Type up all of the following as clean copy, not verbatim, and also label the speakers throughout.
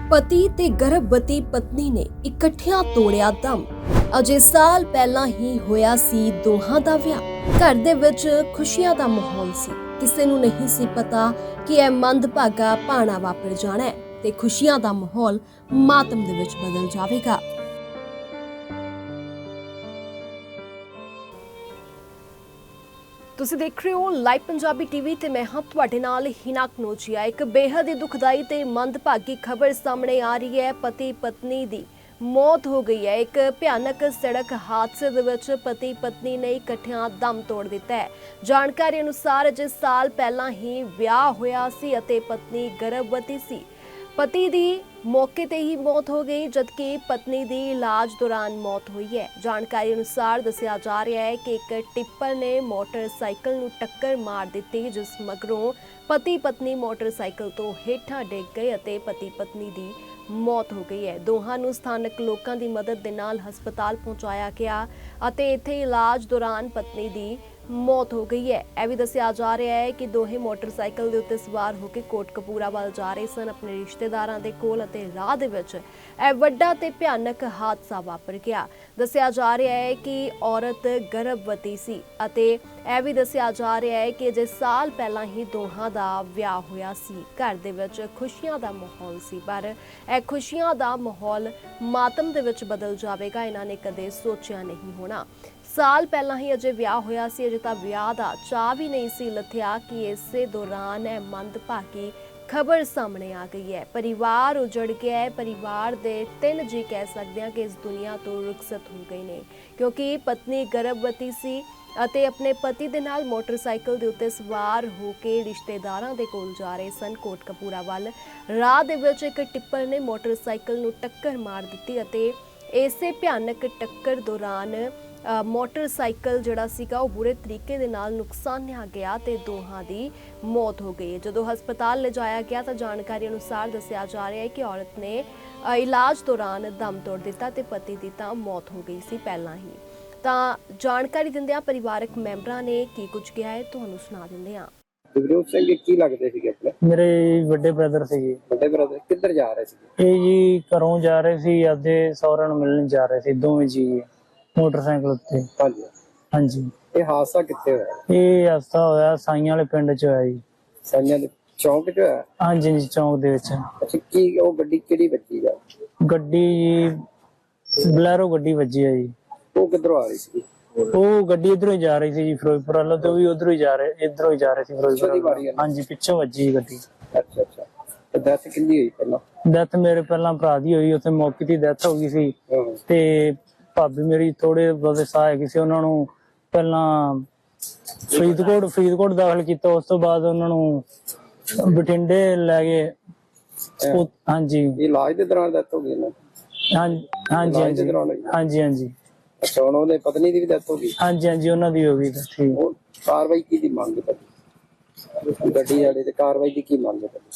Speaker 1: पति ते गर्भवती पत्नी ने इकट्ठियां तोड़िया दम। अजे साल पहला ही होया सी दोहां दा विआह। घर दे विच खुशियां दा माहौल सी। किसे नूं नहीं सी पता कि यह मंदभागा भाणा वापर जाना है ते खुशियां दा माहौल मातम दे विच बदल जावेगा। ਤੁਸੀਂ ਦੇਖ ਰਹੇ ਹੋ ਲਾਈਵ ਪੰਜਾਬੀ ਟੀਵੀ ਤੇ ਮੈਂ ਹਾਂ ਤੁਹਾਡੇ ਨਾਲ ਹਿਨਾ ਕਨੋਜੀਆ। ਇੱਕ ਬੇहद ਹੀ ਦੁਖਦਾਈ ਤੇ ਮੰਦਭਾਗੀ ਖਬਰ ਸਾਹਮਣੇ ਆ ਰਹੀ ਹੈ। ਪਤੀ ਪਤਨੀ ਦੀ ਮੌਤ ਹੋ ਗਈ ਹੈ। ਇੱਕ ਭਿਆਨਕ ਸੜਕ ਹਾਦਸੇ ਦੇ ਵਿੱਚ ਪਤੀ ਪਤਨੀ ਨੇ ਇਕੱਠਿਆਂ ਦਮ ਤੋੜ ਦਿੱਤਾ ਹੈ। ਜਾਣਕਾਰੀ ਅਨੁਸਾਰ ਅਜੇ ਸਾਲ ਪਹਿਲਾਂ ਹੀ ਵਿਆਹ ਹੋਇਆ ਸੀ ਅਤੇ ਪਤਨੀ ਗਰਭਵਤੀ ਸੀ। पति दी मौके ते ही मौत हो गई जबकि पत्नी दी इलाज दौरान मौत हुई है। जानकारी अनुसार दस्सिया जा रहा है कि एक टिप्पर ने मोटरसाइकिल नूं टक्कर मार दी जिस मगरों पति पत्नी मोटरसाइकिल तो हेठां डिग गए अते पति पत्नी दी मौत हो गई है। दोहां नूं स्थानक लोकां दी मदद दे नाल हस्पताल पहुंचाया गया अते इत्थे इलाज दौरान पत्नी दी मौत हो गई है। यह भी दस्सिया जा रहा है कि दोहे मोटरसाइकिल के उत्ते सवार होकर कोटकपूरा वाल जा रहे सन अपने रिश्तेदारां दे कोल अते राह दे विच यह वड्डा ते भयानक हादसा वापर गया। दस्सिया जा रहा है कि औरत गर्भवती सी अते यह भी दस्सिया जा रहा है कि अजे साल पहला ही दोहां दा विआह होया सी। घर दे विच खुशियां दा माहौल सी पर यह खुशियां दा माहौल मातम दे विच बदल जावेगा इन्हां ने कदे सोचिया नहीं होना। साल पहला ही अजे विआह होया सी। अजे तां विआह दा चाह भी नहीं सी लथिया कि इसे दौरान यह मंदभागी खबर सामने आ गई है। परिवार उजड़ गया है। परिवार दे 3 जी कह सकते हैं कि इस दुनिया तो रुखसत हो गए ने क्योंकि पत्नी गर्भवती सी ਅਤੇ ਆਪਣੇ ਪਤੀ ਦੇ ਨਾਲ ਮੋਟਰਸਾਈਕਲ ਦੇ ਉੱਤੇ ਸਵਾਰ ਹੋ ਕੇ ਰਿਸ਼ਤੇਦਾਰਾਂ ਦੇ ਕੋਲ ਜਾ ਰਹੇ ਸਨ ਕੋਟਕਪੂਰਾ ਵੱਲ। ਰਾਹ ਦੇ ਵਿੱਚ ਇੱਕ ਟਿੱਪਰ ਨੇ ਮੋਟਰਸਾਈਕਲ ਨੂੰ ਟੱਕਰ ਮਾਰ ਦਿੱਤੀ ਅਤੇ ਇਸੇ ਭਿਆਨਕ ਟੱਕਰ ਦੌਰਾਨ ਮੋਟਰਸਾਈਕਲ ਜਿਹੜਾ ਸੀਗਾ ਉਹ ਬੁਰੇ ਤਰੀਕੇ ਦੇ ਨਾਲ ਨੁਕਸਾਨਿਆ ਗਿਆ ਤੇ ਦੋਹਾਂ ਦੀ ਮੌਤ ਹੋ ਗਈ। ਜਦੋਂ ਹਸਪਤਾਲ ਲਿਜਾਇਆ ਗਿਆ ਤਾਂ ਜਾਣਕਾਰੀ ਅਨੁਸਾਰ ਦੱਸਿਆ ਜਾ ਰਿਹਾ ਹੈ ਕਿ ਔਰਤ ਨੇ ਇਲਾਜ ਦੌਰਾਨ ਦਮ ਤੋੜ ਦਿੱਤਾ ਤੇ ਪਤੀ ਦੀ ਤਾਂ ਮੌਤ ਹੋ ਗਈ ਸੀ ਪਹਿਲਾਂ ਹੀ। ਤਾਂ ਜਾਣਕਾਰੀ ਦਿੰਦਿਆਂ ਪਰਿਵਾਰਕ ਮੈਂਬਰਾਂ ਨੇ ਕੀ ਕੁਝ ਕਿਹਾ ਹੈ ਤੁਹਾਨੂੰ ਸੁਣਾ ਦਿੰਦੇ ਹਾਂ।
Speaker 2: ਜਗਰੂਪ ਸਿੰਘ ਕੀ ਲੱਗਦੇ ਸੀਗੇ ਆਪਣੇ?
Speaker 3: ਮੇਰੇ ਵੱਡੇ ਬ੍ਰਦਰ ਸੀਗੇ।
Speaker 2: ਵੱਡੇ ਬ੍ਰਦਰ ਕਿੱਧਰ ਜਾ ਰਹੇ ਸੀਗੇ?
Speaker 3: ਇਹ ਜੀ ਘਰੋਂ ਜਾ ਰਹੇ ਸੀ ਆਪਦੇ ਸਹੁਰਿਆਂ ਨੂੰ ਮਿਲਣ ਜਾ ਰਹੇ ਸੀ ਦੋਵੇਂ ਜੀ ਮੋਟਰਸਾਈਕਲ ਉੱਤੇ।
Speaker 2: ਹਾਂਜੀ
Speaker 3: ਹਾਂਜੀ।
Speaker 2: ਇਹ ਹਾਦਸਾ ਕਿੱਥੇ ਹੋਇਆ?
Speaker 3: ਇਹ ਹਾਦਸਾ ਹੋਇਆ ਸਾਈਆਂ ਵਾਲੇ ਪਿੰਡ 'ਚ ਹੋਇਆ ਜੀ।
Speaker 2: ਸਾਈਆਂ ਦੇ ਚੌਂਕ 'ਚ ਹੋਇਆ?
Speaker 3: ਹਾਂਜੀ ਜੀ ਚੌਂਕ ਦੇ ਵਿੱਚ।
Speaker 2: ਅੱਛਾ ਕੀ ਉਹ ਗੱਡੀ ਕਿਹੜੀ ਵੱਜੀ ਆ?
Speaker 3: ਗੱਡੀ ਜੀ ਬਲੈਰੋ ਗੱਡੀ ਵੱਜੀ ਆ ਜੀ।
Speaker 2: ਉਹ ਕਿੱਧਰੋਂ ਆ ਰਹੀ ਸੀ?
Speaker 3: ਉਹ ਗੱਡੀ ਇਧਰੋਂ ਹੀ ਜਾ ਰਹੀ ਸੀ ਜੀ ਫਿਰੋਜ਼ਪੁਰ ਵੱਲੋਂ ਤੇ ਉਹ ਵੀ ਉਧਰੋਂ ਹੀ ਜਾ ਰਹੇ ਇਧਰੋਂ ਹੀ ਜਾ ਰਹੇ ਸੀ ਫਿਰੋਜ਼ਪੁਰ। ਹਾਂਜੀ ਪਿੱਛੋਂ ਵੱਜੀ ਗੱਡੀ।
Speaker 2: ਅੱਛਾ ਅੱਛਾ। ਤੇ ਡੈਥ ਕਿੰਨੀ ਹੋਈ ਪਹਿਲਾਂ?
Speaker 3: ਡੈਥ ਮੇਰੇ ਪਹਿਲਾਂ ਭਰਾ ਦੀ ਹੋਈ ਉੱਥੇ ਮੌਕੇ ਤੇ ਡੈਥ ਹੋ ਗਈ ਸੀ ਤੇ ਭਾਬੀ ਮੇਰੀ ਥੋੜੇ ਬਹੁਤੇ ਸਾਹ ਹੈਗੇ ਸੀ ਉਹਨਾਂ ਨੂੰ ਪਹਿਲਾਂ ਫਰੀਦਕੋਟ ਦਾਖਲ ਕੀਤਾ। ਉਸ ਤੋਂ ਬਾਅਦ ਉਹਨਾਂ ਨੂੰ ਬਠਿੰਡੇ ਲੈ ਗਏ। ਹਾਂਜੀ
Speaker 2: ਇਲਾਜ ਦੇ ਦੌਰਾਨ ਡੈਥ ਹੋ ਗਈ ਨਾ?
Speaker 3: ਹਾਂਜੀ ਹਾਂਜੀ ਹਾਂਜੀ।
Speaker 2: ਅੱਛਾ ਹੁਣ ਉਹਦੇ ਪਤਨੀ ਦੀ ਵੀ ਡੈਥ ਹੋ ਗਈ? ਹਾਂਜੀ
Speaker 3: ਹਾਂਜੀ ਉਹਨਾਂ ਦੀ ਹੋ ਗਈ। ਠੀਕ।
Speaker 2: ਉਹ ਕਾਰਵਾਈ ਕੀ ਦੀ ਮੰਗ ਹੈ ਗੱਡੀ ਵਾਲੇ ਤੇ ਕਾਰਵਾਈ ਦੀ ਕੀ ਮੰਗ ਹੈ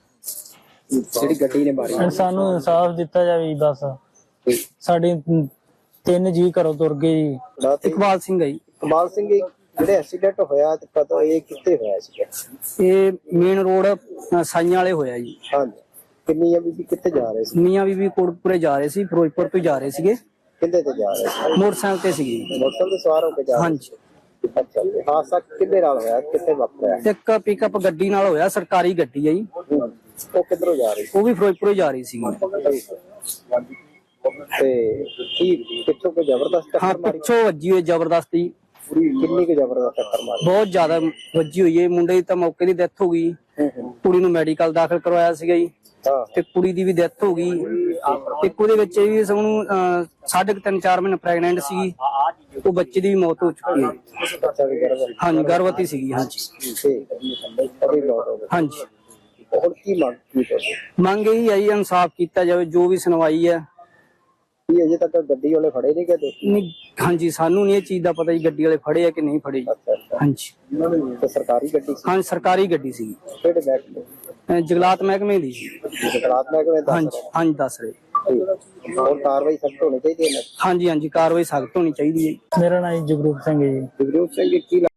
Speaker 2: ਜਿਹੜੀ ਗੱਡੀ ਨੇ ਮਾਰੀ?
Speaker 3: ਸਾਨੂੰ ਇਨਸਾਫ ਦਿੱਤਾ ਜਾਵੇ ਬਸ। ਸਾਡੇ 3 ਜੀ ਘਰੋਂ ਤੁਰ ਗਏ ਜੀ।
Speaker 2: ਇਕਬਾਲ ਸਿੰਘ ਹੈ ਜੀ। ਇਕਬਾਲ ਸਿੰਘ ਜਿਹੜੇ ਐਕਸੀਡੈਂਟ ਹੋਇਆ ਤੇ ਪਤਾ ਇਹ ਕਿੱਥੇ ਹੋਇਆ ਸੀ?
Speaker 4: ਇਹ ਮੇਨ ਰੋਡ ਸਾਈਆਂ ਵਾਲੇ ਹੋਇਆ ਜੀ।
Speaker 2: ਹਾਂਜੀ। ਕਿੰਨੀਆਂ ਬੀਬੀ ਕਿੱਥੇ ਜਾ ਰਹੇ ਸੀ?
Speaker 4: ਮੀਆਂ ਬੀਬੀ ਕੋਟਪੁਰੇ ਜਾ ਰਹੇ ਸੀ, ਫਿਰੋਜ਼ਪੁਰ ਤੋਂ ਜਾ ਰਹੇ ਸੀਗੇ।
Speaker 2: ਕਿੰਦੇ ਤੇ ਜਾ ਰਹੇ ਸੀ?
Speaker 4: ਮੋਟਰਸਾਈਕਲ ਤੇ ਸੀਗੇ।
Speaker 2: ਮੋਟਰਸਾਈਕਲ ਤੇ ਸਵਾਰ ਹੋ ਕੇ ਜਾ ਰਹੇ?
Speaker 4: ਹਾਂਜੀ।
Speaker 2: ਅੱਛਾ ਜੀ। ਹਾਦਸਾ ਕਿੰਦੇ ਨਾਲ ਹੋਇਆ? ਕਿੱਥੇ ਵਾਪਰਿਆ?
Speaker 4: ਇੱਕ ਪਿਕਅਪ ਗੱਡੀ ਨਾਲ ਹੋਇਆ, ਸਰਕਾਰੀ ਗੱਡੀ ਹੈ ਜੀ।
Speaker 2: ਉਹ ਕਿੱਧਰੋਂ ਜਾ ਰਹੀ ਸੀ?
Speaker 4: ਉਹ ਵੀ ਫਿਰੋਜ਼ਪੁਰੋਂ ਜਾ ਰਹੀ ਸੀ।
Speaker 2: ਤੇ ਕੀ ਪਿੱਛੋਂ ਕੋਈ ਜ਼ਬਰਦਸਤ
Speaker 4: ਹਾਂ
Speaker 2: ਟੱਕਰ ਮਾਰੀ?
Speaker 4: ਪਿੱਛੋਂ ਵੱਜੀ ਹੋਈ ਜ਼ਬਰਦਸਤੀ।
Speaker 2: ਕਿੰਨੀ ਕੁ ਜ਼ਬਰਦਸਤ ਟੱਕਰ ਮਾਰੀ?
Speaker 4: ਬਹੁਤ ਜ਼ਿਆਦਾ ਵੱਜੀ ਹੋਈ ਹੈ। ਮੁੰਡੇ ਦੀ ਤਾਂ ਮੌਕੇ ਦੀ ਡੈਥ ਹੋ ਗਈ। ਕੁੜੀ ਨੂੰ ਮੈਡੀਕਲ ਦਾਖਲ ਕਰਵਾਇਆ ਸੀਗਾ ਜੀ ਤੇ ਕੁੜੀ ਦੀ ਵੀ ਡੈਥ ਹੋ ਗਈ। ਇੱਕ ਉਹਦੇ ਵਿੱਚ ਇਹ ਵੀ ਸਾਨੂੰ 3.5-4 ਮਹੀਨੇ ਪ੍ਰੈਗਨੈਂਟ ਸੀਗੀ। ਉਹ ਬੱਚੇ ਦੀ ਵੀ ਮੌਤ ਹੋ ਚੁੱਕੀ ਹੈ। ਹਾਂਜੀ ਗਰਭਵਤੀ ਸੀਗੀ। ਹਾਂਜੀ ਹਾਂਜੀ।
Speaker 2: ਹੋਰ ਕੀ
Speaker 4: ਮੰਗ ਇਹੀ ਹੈ ਜੀ ਇਨਸਾਫ ਕੀਤਾ ਜਾਵੇ। ਜੋ ਵੀ ਸੁਣਵਾਈ ਹੈ।
Speaker 2: ਕੀ ਅਜੇ ਤੱਕ ਗੱਡੀ ਵਾਲੇ ਫੜੇ ਨਹੀਂ ਗਏ?
Speaker 4: ਨਹੀਂ ਹਾਂਜੀ ਸਾਨੂੰ ਨਹੀਂ ਇਹ ਚੀਜ਼ ਦਾ ਪਤਾ ਜੀ ਗੱਡੀ ਵਾਲੇ ਫੜੇ ਆ ਕਿ ਨਹੀਂ ਫੜੇ। ਹਾਂਜੀ।
Speaker 2: ਤੇ ਸਰਕਾਰੀ ਗੱਡੀ ਸੀ?
Speaker 4: ਹਾਂਜੀ ਸਰਕਾਰੀ ਗੱਡੀ ਸੀ।
Speaker 2: ਕਿਹੜੇ ਮਹਿਕਮੇ?
Speaker 4: ਜੰਗਲਾਤ ਮਹਿਕਮੇ ਦੀ।
Speaker 2: ਜੰਗਲਾਤ ਮਹਿਕਮੇ ਦਾ?
Speaker 4: ਹਾਂਜੀ ਹਾਂਜੀ ਦੱਸ ਰਹੇ।
Speaker 2: ਹੋਰ ਕਾਰਵਾਈ ਸਖਤ ਹੋਣੀ ਚਾਹੀਦੀ ਹੈ?
Speaker 4: ਹਾਂਜੀ ਹਾਂਜੀ ਕਾਰਵਾਈ ਸਖਤ ਹੋਣੀ ਚਾਹੀਦੀ ਹੈ।
Speaker 3: ਮੇਰਾ ਨਾਮ ਜਗਰੂਪ ਸਿੰਘ ਹੈ ਜੀ।
Speaker 2: ਜਗਰੂਪ ਸਿੰਘ ਕੀ